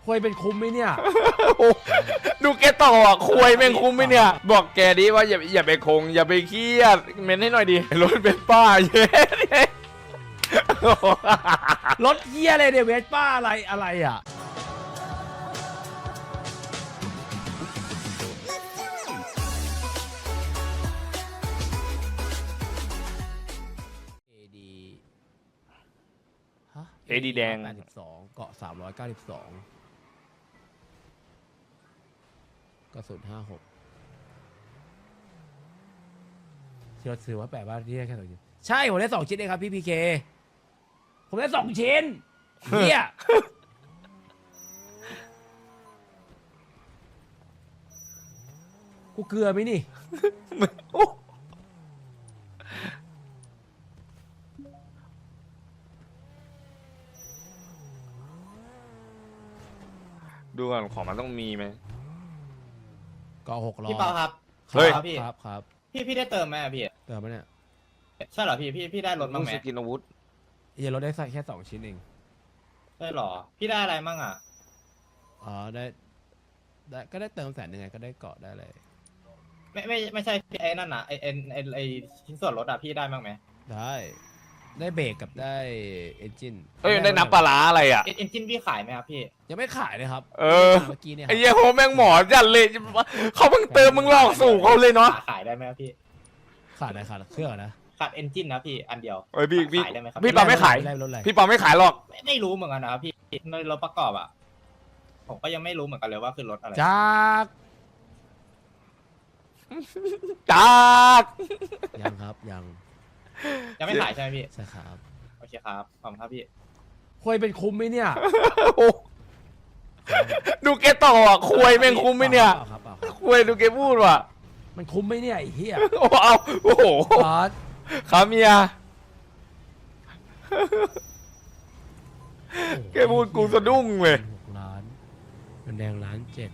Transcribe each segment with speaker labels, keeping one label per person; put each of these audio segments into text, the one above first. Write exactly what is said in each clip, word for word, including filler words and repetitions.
Speaker 1: คุยเป็นคุ้มไหมเนี่ย
Speaker 2: ดูแกต่ออ่ะคุยแม่งคุ้มไหมเนี่ยบอกแกดิว่าอย่าอย่าไปคงอย่าไปเครียดเม้นให้หน่อยดิรถเป็นป้าเย้
Speaker 1: รถเหี้ยอะไรเนี่ยเวสป้าอะไรอะไรอ่ะเอดีฮะ
Speaker 2: เอดีแดง
Speaker 1: แปดสิบสองเกาะสามร้อยเก้าสิบสองกระสุนห้าหกที่เราซื้อว่าแปลว่าที่ได้แค่สองชิ้นใช่ผมได้สองชิ้นเองครับพี่พีเคผมได้สองชิ้นเฮียกูเกลือไหมนี่
Speaker 2: ดูก่อนของมันต้องมีไหม
Speaker 1: ก็หกร้อย
Speaker 3: พี่เปาครับ
Speaker 2: เฮ้ย
Speaker 3: ครับพี่
Speaker 1: ครับครับ
Speaker 3: พี่พี่ได้เติมไหมอะพี่
Speaker 1: เติมไหมเนี่ย
Speaker 3: ใช่เหรอพี่พี่พี่ได้รถบ้างไหม
Speaker 2: สกินอาวุธ
Speaker 1: เฮียรถได้ใส่แค่สองชิ้นเอง
Speaker 3: ใช่เหรอพี่ได้อะไรมั่งอ่ะ
Speaker 1: อ๋อได้ได้ก็ได้เติมแสนหนึ่งไงก็ได้เกาะได้เลย
Speaker 3: ไม่ไม่ไม่ใช่พี่ไอ้นั่นอ่ะไอ้ไอ้ไอ้ไอ้ชิ้นส่วนรถอ่ะพี่ได้บ้างไหม
Speaker 1: ได้ได้เบรกกับได้เอนจิน
Speaker 2: เอ้ยได้น้ำปลาร้าอะไรอ่ะ
Speaker 3: เอ็นเอ็นจินพี่ขายไหมครับพี่
Speaker 1: ยังไม่ขายเลยครับ
Speaker 2: เออ
Speaker 1: เมื่อกี้เนี่ยค
Speaker 2: ไอ้
Speaker 1: รับ
Speaker 2: เหี้ยโหแม่งหมอจัดเลยเขาเพิ่งเติมมึงหลอกสู่เขาเลยเนาะ
Speaker 3: ขายได้ไหมครับพี่
Speaker 1: ขาดอะไรขาดเครื่องนะ
Speaker 3: ขาดเอนจินนะพี่อันเดียว
Speaker 2: เอ้ยพี่พี่
Speaker 3: ขายได้ไหมครับ
Speaker 2: พี่ปาไม่ขาย
Speaker 1: ได้รถอะไร
Speaker 2: พี่ปาไม่ขายหรอก
Speaker 3: ไม่ไม่รู้เหมือนกันนะครับพี่ในรถประกอบอ่ะผมก็ยังไม่รู้เหมือนกันเลยว่าคือรถอะไร
Speaker 1: จาก
Speaker 2: จาก
Speaker 1: ยังครับยัง
Speaker 3: ยังไม่ขายใช่ไหมพี่
Speaker 1: ใช่ครับ
Speaker 3: โอเคครับขอบคุณครับพี่
Speaker 1: คุยเป็นคุ้มไหมเนี่ย
Speaker 2: ดูแกต่ออ่ะคุยแม่งคุ้มไหมเนี่ย
Speaker 1: เปล่าครับเปล่าครับ
Speaker 2: คุยดูแกพูดว่ะ
Speaker 1: มันคุ้มไหมเนี่ยไอ้เหี้ย
Speaker 2: โอ้เอาโอ้โห
Speaker 1: บาส
Speaker 2: ครับเมียแกพูดกูสะดุ้งเลย
Speaker 1: หกล้านมันแดงล้านเจ็ด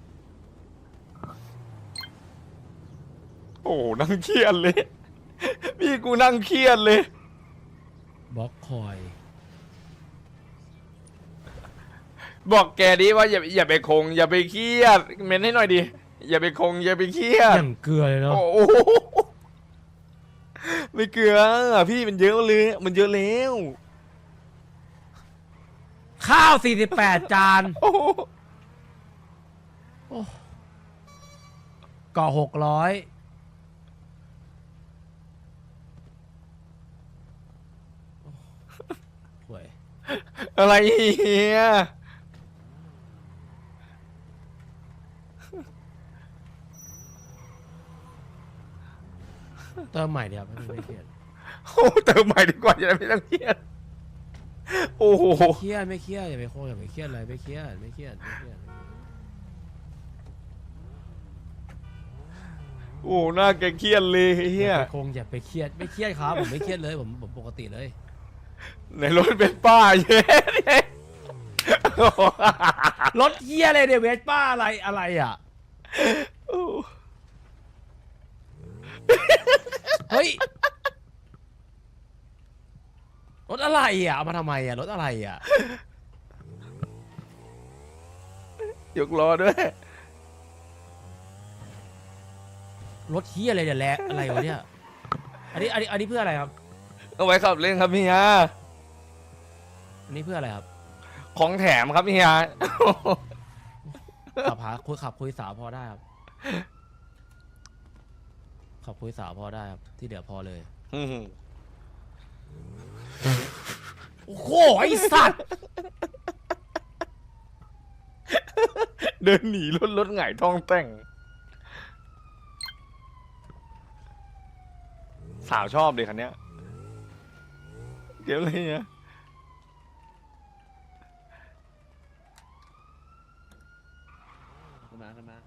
Speaker 2: โอ้นั่งเครียดเลย พี่กูนั่งเครียดเลย
Speaker 1: บล็อกคอย
Speaker 2: บอกแกดิว่าอย่าอย่าไปคงอย่าไปเครียดเม้นให้หน่อยดิอย่าไปคงอย่าไปเครียด
Speaker 1: อย่างเกลือเลยเนาะ
Speaker 2: โอ้โหไม่เกลือพี่มันเยอะเลยมันเยอะแล้ว
Speaker 1: ข้าวสี่สิบแปดจาน
Speaker 2: โอ้โห
Speaker 1: เกาะหกร้อยห่วย
Speaker 2: อะไรเฮีย
Speaker 1: เติมใหม่เดี๋ยวไม่เครียด
Speaker 2: โอ้เติมใหม่ดีกว่าจะได้ไม่ต้องเครียดโอ้โห
Speaker 1: ไม่เครียดไม่เครียดอย่าไปโคอย่าไปเครียดเลยไม่เครียดไม่เครียดไม่เครียด
Speaker 2: โอ้หน้าแกเครียดเลยเฮีย
Speaker 1: อย่าไปคงอย่าไปเครียดไม่เครียดครับผมไม่เครียดเลยผมผมปกติเลย
Speaker 2: ในรถเป็นป้าเย้
Speaker 1: รถเหี้ยอะไรเนี่ยเวสป้าอะไรอะไรอ่ะเฮ้ยรถอะไรอ่ะเอามาทำไมอ่ะรถอะไรอ่ะ
Speaker 2: ยกล้อด้วย
Speaker 1: รถเหี้ยอะไรเนี่ยแลอะไรวะเนี่ยอันนี้อันนี้อันนี้เพื่ออะไรครับ
Speaker 2: เอาไว้ขับเล่นครับเฮีย
Speaker 1: อันนี้เพื่ออะไรครับ
Speaker 2: ของแถมครับเฮีย
Speaker 1: ขับหาคุยขับคุยสาวพอได้ครับขับคุยสาวพอได้ครับที่เหลือพอเลยโอ้โหไอสัตว์
Speaker 2: เดินหนีรถรถหงายท้องแต่ง สาวชอบเลยคันเนี้ยเดี๋ยวเลยเนี่ยขึ้นมาขึ้นมา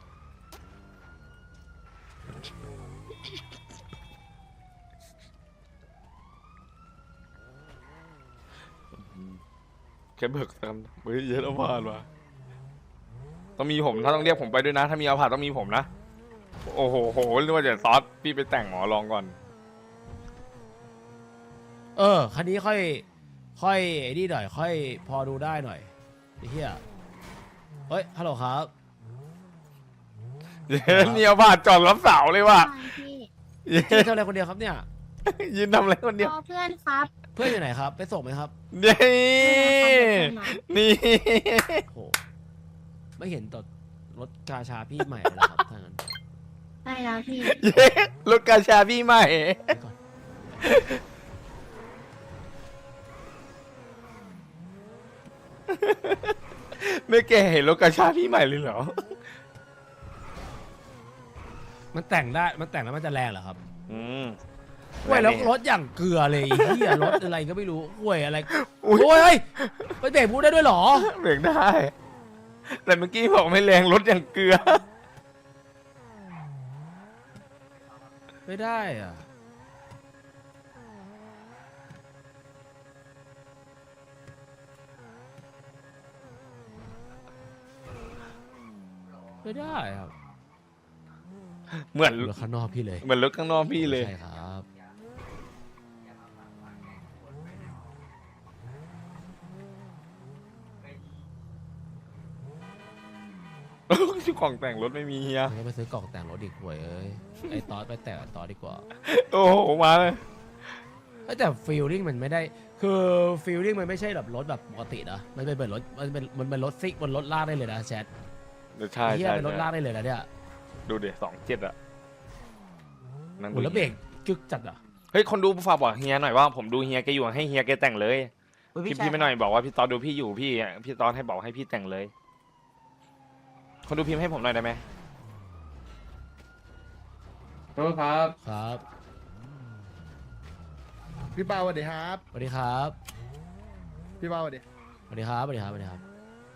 Speaker 2: แค่เบิกกันเฮ้ยเยอะแล้วผ่านว่ะต้องมีผมถ้าต้องเรียกผมไปด้วยนะถ้ามีเอาผ่านต้องมีผมนะโอ้โหโหนึกว่าจะซอสพี่ไปแต่งหมอลองก่อน
Speaker 1: เออคันนี้ค่อยค่อยไอ้นี่หน่อยค่อยพอดูได้หน่อยไอ้เหี้ยเฮ้ยฮัลโหลครับ
Speaker 2: เย็นเนี่ยผ่านจอดรับเสาเลยว่ะ
Speaker 4: ใช่พี่
Speaker 2: เย็
Speaker 1: พี่
Speaker 2: น
Speaker 1: ทำอะไรคนเดียวครับเนี่ย
Speaker 2: ยืนทำอะไรคนเดียว
Speaker 4: รอเพื่อนครับ
Speaker 1: เพื่อนอยู่ไหนครับไปส่งไหมครับ
Speaker 2: นี่
Speaker 4: เพื่อนนะครับ
Speaker 2: นี่
Speaker 1: โหไม่เห็นตดรถกาชาพี่ใหม่เลยเหรอครับถ้างั้น
Speaker 4: ได้แล้วพี่
Speaker 2: เย็นรถกาชาพี่ใหม่
Speaker 1: ไปก่อน
Speaker 2: ไม่แกเห็นรถกาชาพี่ใหม่เลยเหรอ
Speaker 1: มันแต่งได้มันแต่งแล้วมันจะแรงเหรอครับ
Speaker 2: อืม
Speaker 1: ห่วยแล้วรถอย่างเกลือเลยไอ้เฮียรถอะไรก็ไม่รู้ห่วยอะไร
Speaker 2: อุ๊ย
Speaker 1: โอ้ยเฮ้ยไปเบรกพูดได้ด้วยเหรอ
Speaker 2: เบรกได้ แต่เมื่อกี้บอกไม่แรงรถอย่างเกลือ
Speaker 1: ไม่ได้อ่ะไม่ได้ครับ
Speaker 2: เหมือน
Speaker 1: รถข้างนอกพี่เลย
Speaker 2: เหมือนรถข้างนอกพี่เลย
Speaker 1: ใช่ครับ
Speaker 2: ชื่อของแต่งรถไม่มีเฮีย
Speaker 1: มันก็ไปซื้อกล่องแต่งรถอีกห่วยเอ้ยไอ้ตอสไปแต่งกับตอสดีกว่า
Speaker 2: โอ้โหมาเลย
Speaker 1: เอ้ยแต่ฟีลลิ่งมันไม่ได้คือฟีลลิ่งมันไม่ใช่แบบรถแบบปกตินะมันเป็นเหมือนรถมันเป็นมันเป็นรถซิกบนรถลากได้เลยนะแชท
Speaker 2: ใช่
Speaker 1: เฮีย
Speaker 2: ใช่
Speaker 1: เป็นรถลาก
Speaker 2: ใช่
Speaker 1: ได้เลยนะเนี่ย
Speaker 2: ดูเดี๋ยวสองเจ็ดอะนั่ง
Speaker 1: โห
Speaker 2: ดู
Speaker 1: แล้วเบรกกึกจัดอ่ะ
Speaker 2: เฮ้ยคนดูฝากบอกเฮียหน่อยว่าผมดูเฮียแกอยู่ให้เฮียแกแต่งเลยพี่พี่ไม่หน่อยบอกว่าพี่ตอนดูพี่อยู่พี่พี่ตอนให้บอกให้พี่แต่งเลย คนดูพิมพ์ให้ผมหน่อยได้ไหม
Speaker 5: โทษครับ
Speaker 1: ครับ
Speaker 5: พี่เปาสวัสดีครับ
Speaker 1: สวัสดีครับ
Speaker 5: พี่เปาสวัสดี
Speaker 1: สวัสดีครับสวัสดีครับสวัสดีครับ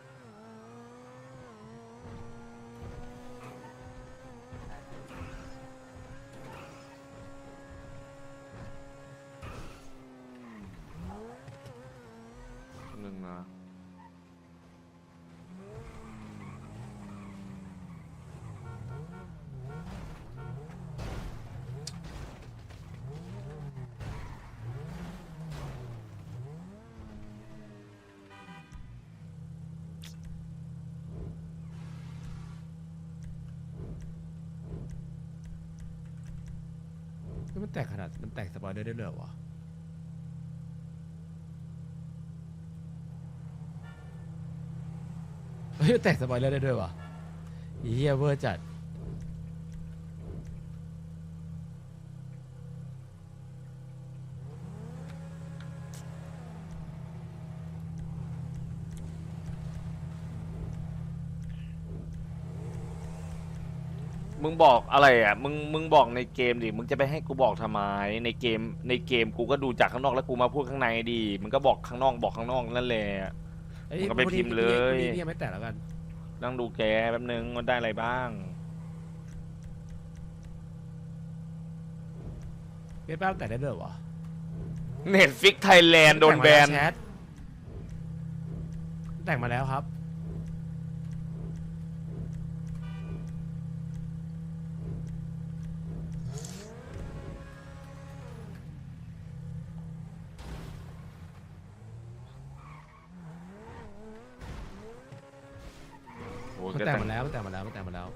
Speaker 2: หนึ่งนะ
Speaker 1: นี่มันแตกขนาดมันแตกสปอยเลอร์ได้เลยเหรอวะเฮ้ยมันแตกสปอยเลอร์ได้ด้วยวะอีเหี้ยเวอร์จัด
Speaker 2: มึงบอกอะไรอ่ะมึงมึงบอกในเกมดิมึงจะไปให้กูบอกทำไมในเกมในเกมกูก็ดูจากข้างนอกแล้วกูมาพูดข้างในดิมึงก็บอกข้างนอกบอกข้างนอกนั่นแหละ
Speaker 1: เอ้ย
Speaker 2: มึงก็ไปพิมพ์เลย
Speaker 1: พรุ่งนี้พี่ยังไม่แตกแล้วกัน
Speaker 2: นั่งดูแกแป๊บนึงมันได้อะไรบ้าง
Speaker 1: เว็บแป๊บแตกได้ด้วยเหรอวะ
Speaker 2: เน็ตฟิกไทยแลนด์โดนแบน
Speaker 1: แชทแต่งมาแล้วครับ
Speaker 2: โอ้
Speaker 1: มัน
Speaker 2: แก
Speaker 1: แต่ง
Speaker 2: แต่ง
Speaker 1: มาแล้วมันแต่งมาแล้วมันแต่งมาแล้ว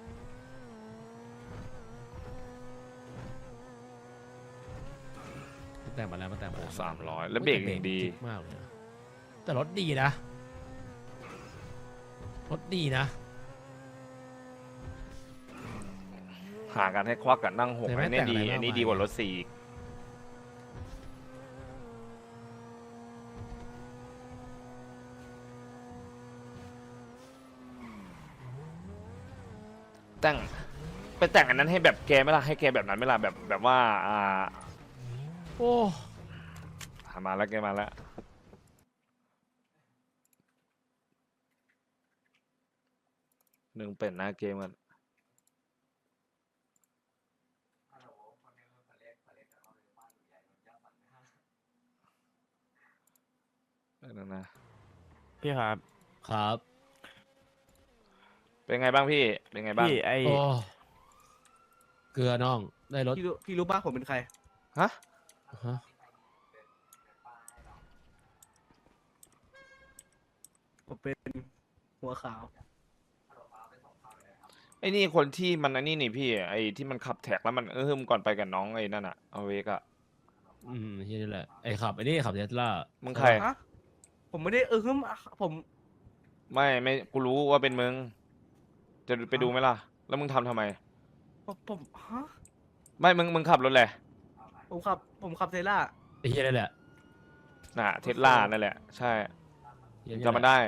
Speaker 1: มันแต่งมาแล้วมันแต่งมาแล้ว
Speaker 2: สามร้อยแล้วเบรกอย่างดี
Speaker 1: จิ๊กมากเลยนะแต่รถดีนะรถดีนะ
Speaker 2: หากันให้ควักกันนั่งหก
Speaker 1: แต่ไม่
Speaker 2: อันนี้
Speaker 1: แต่ง
Speaker 2: ดี
Speaker 1: อะไรมาก
Speaker 2: อันนี้
Speaker 1: มาย
Speaker 2: ดีกว่ารถสี่อีกแต่งไปแต่งอันนั้นให้แบบแกไหม่ล่ะให้แกแบบนั้นไหม่ล่ะแบบแบบว่าอ่า
Speaker 1: โอ้
Speaker 2: หามาแล้วแกมาแล้วหนึ่งเป็นหน้าเกมกันนั่นนะ
Speaker 6: พี่ครับ
Speaker 1: ครับ
Speaker 2: เป็นไงบ้างพี่ เป็นไงบ้าง
Speaker 6: พี่ไอ
Speaker 1: โอ้เกลือน้องได้รถ
Speaker 6: พี่รู้พี่รู้ป่ะผมเป็นใคร
Speaker 2: ฮะ
Speaker 1: ฮะ
Speaker 6: ผมเป็นหัวขาว
Speaker 2: ไอ้นี่คนที่มันไอ้นี่นี่พี่ไอ้ที่มันขับแท็กแล้วมันเออมก่อนไปกับน้องไอ้นั่นอะเอาเวกอะ
Speaker 1: อืมที่นี่แหละไอ้ขับไอ้นี่ขับเทสลา
Speaker 2: มึงใคร
Speaker 6: ฮะผมไม่ได้เออฮึมผม
Speaker 2: ไม่ไม่กูรู้ว่าเป็นมึง จะไปดูไหมล่ะ แล้วมึงทำทำไม
Speaker 6: ผมผมฮะ
Speaker 2: ไม่มึงมึงขับรถแหละ
Speaker 6: ผมขับผมขับเทสลา
Speaker 1: ไอ้เหี้ยนั่นแหละ
Speaker 2: น่ะเทสลานั่นแหละ ใช่
Speaker 1: เหี้ย
Speaker 2: จำมันได้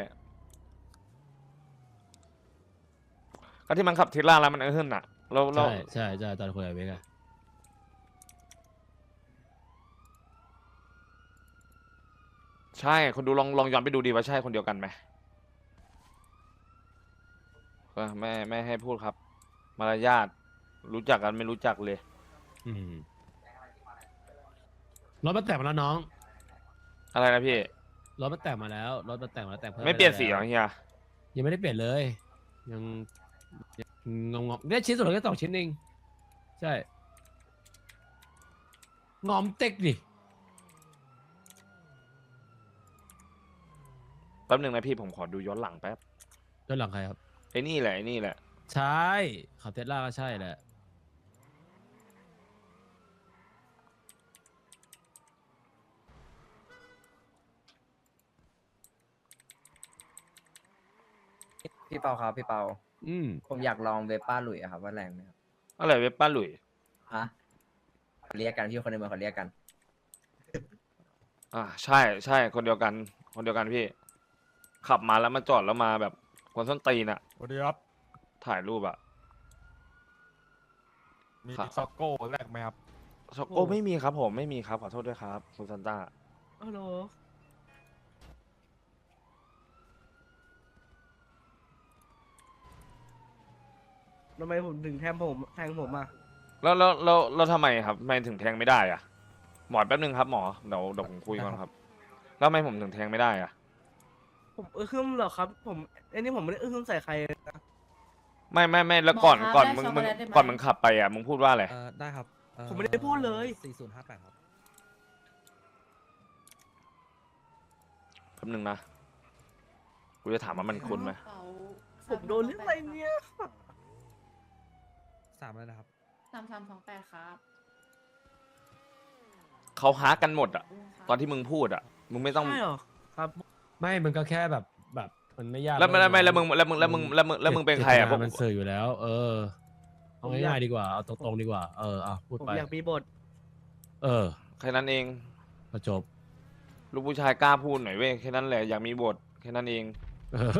Speaker 2: ก็ที่มันขับเทสลาแล้วมันเออมน่ะเราเรา
Speaker 1: ใช่ใช่ใช่ตอนคุยกับเวกอะ
Speaker 2: ใช่คนดูลองลองย้อนไปดูดีว่าใช่คนเดียวกันไหมเออไม่ไม่ให้พูดครับ มารยาทรู้จักกันไม่รู้จักเลย
Speaker 1: อืมรถมันแต่งมาแล้วน้อง
Speaker 2: อะไรนะพี่
Speaker 1: รถมันแต่งมาแล้วรถมันแต่งมาแล้วแต่งเพิ่ม
Speaker 2: ไม่เปลี่ยนสี
Speaker 1: ด้
Speaker 2: เหรอ
Speaker 1: แล้ว
Speaker 2: เฮีย
Speaker 1: ยังไม่ได้เปลี่ยนเลย ยังงงงๆเนี่ยชิ้นสุดท้ายแค่สองชิ้นเองใช่งอมเต็กดิ
Speaker 2: แป๊บหนึ่งนะพี่ผมขอดูย้อนหลังแป๊บ
Speaker 1: ด้านหลังใครครับ
Speaker 2: ไอ้นี่แหละไอ้นี่แหละ
Speaker 1: ใช่ขับเทสลาก็ใช่แหละ
Speaker 7: พี่เปาครับพี่เปา
Speaker 1: อืม
Speaker 7: ผมอยากลองเวป้าหลุยอะครับว่าแรงไหมครับ
Speaker 2: อะไรเว็บป้าหลุย
Speaker 7: ฮะเรียกกันพี่คนในเมืองเขาเรียกกัน
Speaker 2: อ่าใช่ใช่คนเดียวกัน คนเดียวกันพี่ ขับมาแล้วมาจอดแล้วมาแบบคนส้นตีนอะ
Speaker 8: สวัสดีครับ
Speaker 2: ถ่ายรูปอะ
Speaker 8: มี
Speaker 2: ครับ
Speaker 8: ซ็อกโก้แรกไหมครับ
Speaker 2: ช็อกโก้ไม่มีครับผมไม่มีครับขอโทษด้วยครับคุณซันต้า
Speaker 6: ฮัลโหลทำไมผมถึงแทงผมแทงผมอ่ะ
Speaker 2: แล้วแล้วแล้วแล้วทำไมครับทำไมถึงแทงไม่ได้อะหมอแป๊บนึงครับหมอเดี๋ยวเดี๋ยวผมคุยก่อนครับแล้วทำไมผมถึงแทงไม่ได้อะ
Speaker 6: ผมเออฮึมเหรอครับ ผมไอ้นี่ผมไม่ได้เออฮึมใส่ใครเลยนะ
Speaker 2: ไม่ไม่ไม่แล้วก่อน
Speaker 4: หมอครับ
Speaker 2: ก่อน
Speaker 4: ได้
Speaker 2: มึง
Speaker 4: ช็อก
Speaker 2: มึ
Speaker 4: โก
Speaker 2: ง
Speaker 4: แลตได้ไหม
Speaker 2: ก่อนมึงขับไปอะมึงพูดว่าอะไร
Speaker 9: เออได้ครับเอ่อ
Speaker 6: ผมไม่ได้พูดเลย
Speaker 9: สี่ศูนย์ห้าแปดครับ
Speaker 2: แป๊บนึงนะกูจะถามว่ามันคุ้นไหม
Speaker 6: ผมโดนเรื่องอะไรเนี่ย
Speaker 9: สามแล้วนะครับ
Speaker 4: สามสามสองแปดครับ
Speaker 2: เขาฮากันหมดอะตอนที่มึงพูดอะมึงไม่ต้อง
Speaker 6: ใช่เหรอครับ
Speaker 1: ไม่มันก็แค่แบบแบบมันไม่ยาก
Speaker 2: แล้วไม่ไม่แล้วมึงแล้วมึงแล้วมึงแล้วมึงแล้วมึงเป็นใครอะพวก
Speaker 1: มันสื่ออยู่แล้ว เออเอา
Speaker 6: ผมอยาก
Speaker 1: ง่ายๆดีกว่าเอาตรงๆดีกว่า เอออ่ะพูด
Speaker 6: ผม
Speaker 1: ไป
Speaker 6: อยากมีบท
Speaker 1: เออ
Speaker 2: แค่นั้นเอง
Speaker 1: ก็จบ
Speaker 2: ลูกผู้ชายกล้าพูดหน่อยเว้ยแค่นั้นแหละอยากมีบทแค่นั้นเอง
Speaker 1: เออ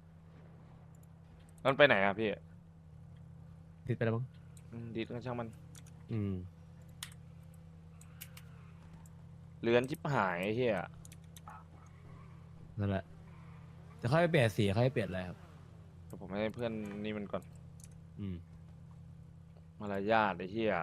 Speaker 2: มันไปไหนอะพี่
Speaker 1: ติดไปแล้วมั้ง
Speaker 2: อืมดีก็ช่างมัน
Speaker 1: อืม
Speaker 2: เลือนชิบหายไอ้เฮีย
Speaker 1: นั่นแหละจะค่อยไปเปลี่ยนสีค่อยไปเปลี่ยนอะไรครับ
Speaker 2: เดี๋ยวผมให้เพื่อนนี่มันก่อน
Speaker 1: อืม
Speaker 2: มารยาทไอ้เฮีย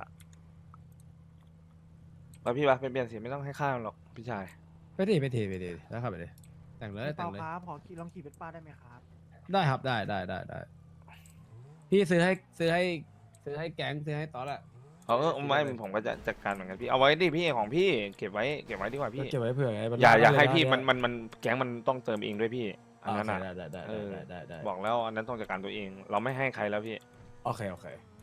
Speaker 2: ไปพี่ปะไปเปลี่ยนสีไม่ต้องให้ข้ามหรอกพี่ชาย
Speaker 1: ไปดิไปดิไปดิแล้วขับไปดิแต่งเลยแต่งเลย
Speaker 9: ขอขี่ลองขี่เป็นป้าได้ไหมครับ
Speaker 1: ได้ครับได้ได้ได้ได้พี่ซื้อให้ซื้อให้ซื้อให้แก๊งซื้อให้ตอนแหละ
Speaker 2: เอาเออไม่ผมก็จะจัดการเหมือนกันพี่เอาไว้ดิพี่ของพี่เก็บไว้เก็บไว้ดีกว่าพี่
Speaker 1: เก็บไว้เผื่อไงมัน
Speaker 2: อย่าอย่า
Speaker 1: ได้
Speaker 2: ให้
Speaker 1: เลย
Speaker 2: พี่
Speaker 1: นะ
Speaker 2: มันมันมันแก๊งมันต้องเติมเองด้วยพี่อันนั้น
Speaker 1: โอ
Speaker 2: อ่ะ
Speaker 1: เคได้ได้ได้
Speaker 2: เออ
Speaker 1: ได้ได้ได้
Speaker 2: บอกแล้วอันนั้นต้องจัดการตัวเอง เราไม่ให้ใครแล้วพี่
Speaker 1: โอเคโอเค